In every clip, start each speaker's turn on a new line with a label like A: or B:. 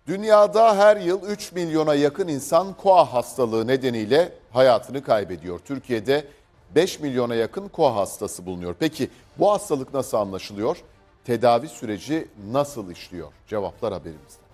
A: Dünyada her yıl 3 milyona yakın insan koa hastalığı nedeniyle hayatını kaybediyor. Türkiye'de 5 milyona yakın koa hastası bulunuyor. Peki bu hastalık nasıl anlaşılıyor? Tedavi süreci nasıl işliyor? Cevaplar haberimizde.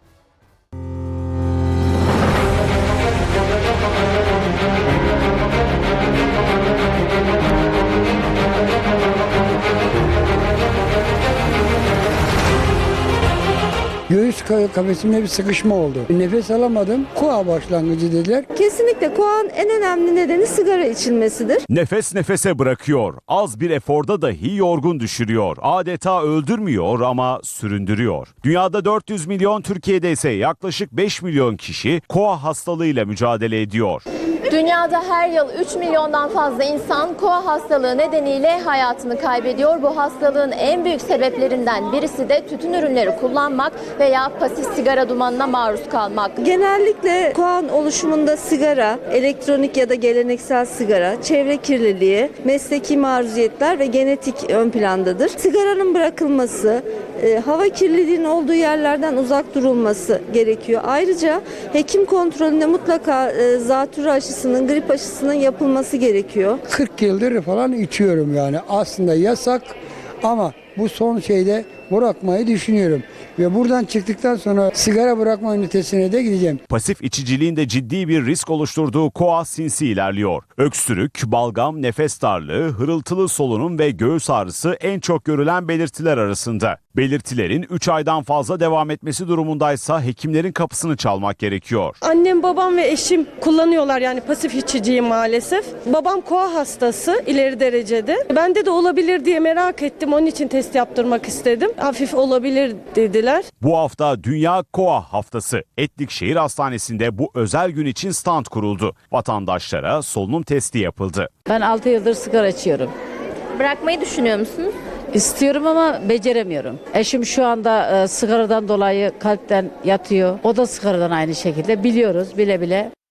B: Göğüs kafesimde bir sıkışma oldu. Nefes alamadım. Koa başlangıcı dediler.
C: Kesinlikle koanın en önemli nedeni sigara içilmesidir.
D: Nefes nefese bırakıyor. Az bir eforda dahi yorgun düşürüyor. Adeta öldürmüyor ama süründürüyor. Dünyada 400 milyon, Türkiye'de ise yaklaşık 5 milyon kişi koa hastalığıyla mücadele ediyor.
E: Dünyada her yıl 3 milyondan fazla insan koa hastalığı nedeniyle hayatını kaybediyor. Bu hastalığın en büyük sebeplerinden birisi de tütün ürünleri kullanmak veya pasif sigara dumanına maruz kalmak.
C: Genellikle koan oluşumunda sigara, elektronik ya da geleneksel sigara, çevre kirliliği, mesleki maruziyetler ve genetik ön plandadır. Sigaranın bırakılması, hava kirliliğinin olduğu yerlerden uzak durulması gerekiyor. Ayrıca hekim kontrolünde mutlaka zatürre aşısının, grip aşısının yapılması gerekiyor.
B: 40 yıldır falan içiyorum yani. Aslında yasak ama bu son şeyde bırakmayı düşünüyorum. Ve buradan çıktıktan sonra sigara bırakma ünitesine de gideceğim.
D: Pasif içiciliğin de ciddi bir risk oluşturduğu koa sinsi ilerliyor. Öksürük, balgam, nefes darlığı, hırıltılı solunum ve göğüs ağrısı en çok görülen belirtiler arasında. Belirtilerin 3 aydan fazla devam etmesi durumundaysa hekimlerin kapısını çalmak gerekiyor.
F: Annem, babam ve eşim kullanıyorlar, yani pasif içiciyim maalesef. Babam koa hastası ileri derecede. Bende de olabilir diye merak ettim, onun için test yaptırmak istedim. Hafif olabilir dediler.
D: Bu hafta Dünya Koa Haftası. Etlik Şehir Hastanesi'nde bu özel gün için stand kuruldu. Vatandaşlara solunum testi yapıldı.
G: Ben 6 yıldır sigara içiyorum.
E: Bırakmayı düşünüyor musunuz?
G: İstiyorum ama beceremiyorum. Eşim şu anda sigaradan dolayı kalpten yatıyor. O da sigaradan aynı şekilde. Biliyoruz bile bile.